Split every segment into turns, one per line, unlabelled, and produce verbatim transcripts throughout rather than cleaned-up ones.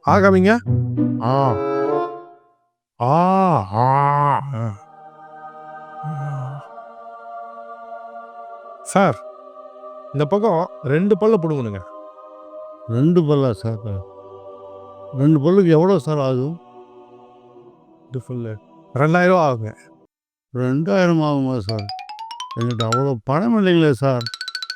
ஆகாமிங்க. ஆ ஆ ஆ sir, இந்த பக்கம் ரெண்டு பல்ல பிடுங்கணுங்க.
ரெண்டு பல்லா சார்? ரெண்டு பல்லுக்கு எவ்வளோ சார் ஆகும்?
இது ஃபுல்லு ரெண்டாயிரம் ரூபா ஆகுங்க.
ரெண்டாயிரம் ஆகுமா சார்? என்கிட்ட அவ்வளோ பணம் இல்லைங்களே சார்.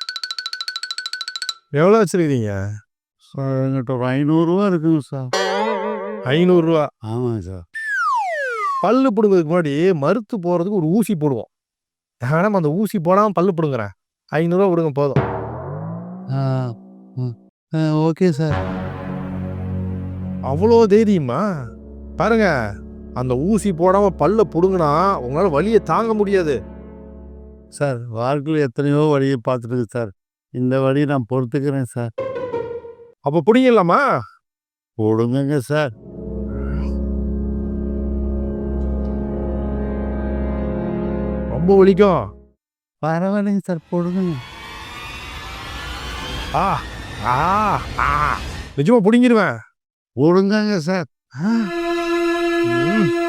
எவ்வளோ வச்சுருக்கிறீங்க?
சார் என்கிட்ட ஒரு ஐநூறுரூவா இருக்குங்க சார்.
ஐநூறுரூவா?
ஆமாங்க சார்.
பல்லு பிடுங்கிறதுக்கு முன்னாடி மருத்து போகிறதுக்கு ஒரு ஊசி போடுவோம். வேணாம், அந்த ஊசி போடாமல் பல்லு பிடுங்குறேன். ஐநூறுரூவா கொடுங்க போதும்.
ஆ ம் ஆ ஓகே சார்.
அவ்வளோ தைரியமா? பாருங்க, அந்த ஊசி போடாமல் பல்ல பிடுங்கினா உங்களால் வலியை தாங்க முடியாது.
சார் வாழ்க்கையில் எத்தனையோ வழியை பார்த்துருக்கு சார். இந்த வழியை நான் பொறுத்துக்கிறேன் சார்.
அப்போ பிடிங்கலாமா?
போடுங்க சார்.
ரொம்ப வலிக்கும்.
பரவாயில்லைங்க சார், போடுங்க.
ஆ ஆ ஆ நிஜமா பிடிங்கிருவேன்.
போடுங்க சார்.
ம்.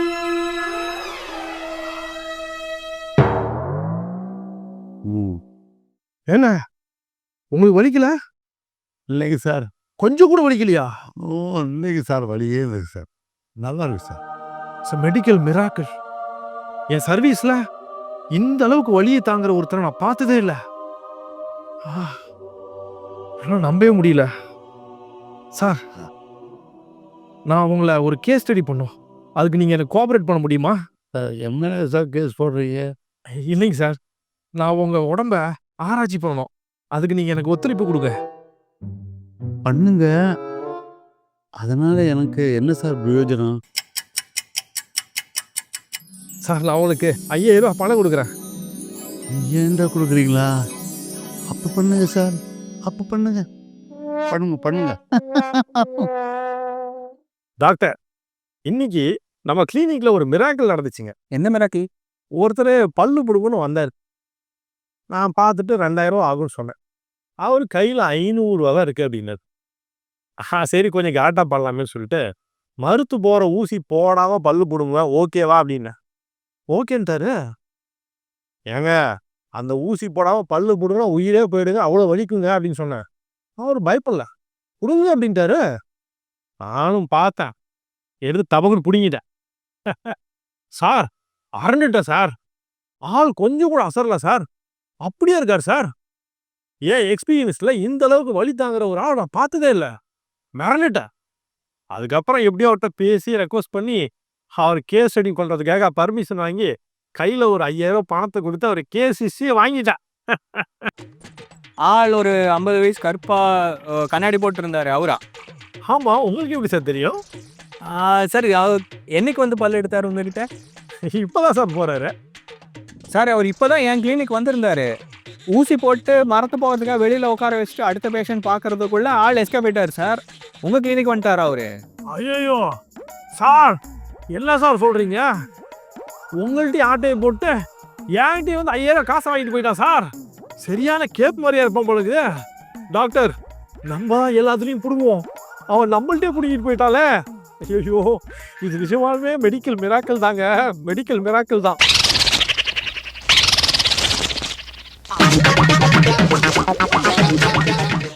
ம்
என்ன உங்களுக்கு வலிக்கல?
இல்லைங்க சார்.
கொஞ்சம் கூட வலிக்கலையா?
ஓ இல்லைங்க சார், வழியே இல்லைங்க சார். நல்லா இருக்கு சார்.
It's medical miracle. என் சர்வீஸில் இந்த அளவுக்கு வலியை தாங்குற ஒருத்தரை நான் பார்த்ததே இல்லை. என்னால் நம்பவே முடியல. சார், நான் உங்களை ஒரு கேஸ் ஸ்டடி பண்ணும், அதுக்கு நீங்கள் எனக்கு கோஆப்ரேட் பண்ண முடியுமா?
சார் என்ன சார் கேஸ் போடுறீங்க?
இல்லைங்க சார், நான் உங்கள் உடம்ப ஆராய்ச்சி பண்ணணும், அதுக்கு நீங்கள் எனக்கு ஒத்துழைப்பு கொடுங்க.
பண்ணுங்க. அதனால எனக்கு என்ன சார் பிரயோஜனம்?
சார், நான் உங்களுக்கு ஐயாயிரம் ரூபாய் பணம் கொடுக்குறேன்.
ஏன்டா கொடுக்குறீங்களா? அப்போ பண்ணுங்க சார், அப்போ பண்ணுங்க பண்ணுங்க பண்ணுங்க.
டாக்டர், இன்னைக்கு நம்ம கிளினிக்ல ஒரு மிராக்கிள் நடந்துச்சுங்க.
என்ன மிராக்கிள்?
ஒருத்தர் பல்லு பிடுங்கன்னு வந்தார். நான் பார்த்துட்டு ரெண்டாயிரம் ரூபா ஆகும்னு சொன்னேன். அவர் கையில் ஐநூறுரூவா தான் இருக்குது அப்படின்னாரு. ஆ சரி, கொஞ்சம் கேட்டா பண்ணலாமே சொல்லிட்டு மருத்து போகிற ஊசி போடாமல் பல்லு பிடுங்குவேன், ஓகேவா அப்படின்னேன். ஓகேன்ட்டாரு. ஏங்க, அந்த ஊசி போடாமல் பல்லு பிடுங்கினா உயிரே போயிடுங்க, அவ்வளோ வலிக்குங்க அப்படின்னு சொன்னேன். அவர் பயப்படல, பிடுங்க அப்படின்ட்டாரு. நானும் பார்த்தேன், எடுத்து தபக்குன்னு பிடுங்கிட்டேன். Sir, அரண்டுட்டேன் sir. ஆள் கொஞ்சம் கூட அசரல சார், அப்படியே இருக்கார் சார். ஏன் எக்ஸ்பீரியன்ஸில் இந்த அளவுக்கு வலி தாங்குற ஒரு ஆள் நான் பார்த்ததே இல்லை. மிரண்டுட்டேன். அதுக்கப்புறம் எப்படியோ அவர்கிட்ட பேசி ரெக்வஸ்ட் பண்ணி அவர் கேஸ் ஸ்டடி பண்ணுறதுக்காக பர்மிஷன் வாங்கி கையில் ஒரு ஐயாயிரம் பணத்தை கொடுத்து அவர் கேஸ் ஹிஸ்ட்ரியை வாங்கிட்டேன்.
ஆள் ஒரு ஐம்பது வயசு கருப்பா அஹ், கண்ணாடி போட்டிருந்தாரு அவரா?
ஆமாம், உங்களுக்கு எப்படி சார் தெரியும்?
ஆ, சரி, அவர் என்னைக்கு வந்து பல்லு எடுத்தார் உங்ககிட்ட?
இப்போதான் சார் போகிறாரு.
சார், அவர் இப்போதான் என் கிளினிக் வந்திருந்தாரு. ஊசி போட்டு மரத்து போகிறதுக்காக வெளியில் உட்கார வச்சுட்டு அடுத்த பேஷண்ட் பார்க்கறதுக்குள்ள ஆள் எஸ்கேப் ஆயிட்டார் சார். உங்கள் கிளினிக் வந்துட்டார் அவரு.
ஐயோ சார், என்ன சார் சொல்கிறீங்க? உங்கள்கிட்ட ஆட்டையை போட்டு என்கிட்ட வந்து ஐயாயிரம் காசை வாங்கிட்டு போயிட்டான் சார். சரியான கேப் மாதிரியா இருப்பான் பொழுது. டாக்டர், நம்ம தான் எல்லாத்துலேயும் பிடுங்குவோம், அவன் நம்மள்ட்டே பிடிக்கிட்டு போயிட்டாலே. ஐயோ, இது நிஜமாலுமே மெடிக்கல் மிராக்கிள் தாங்க, மெடிக்கல் மிராக்கிள் தான்.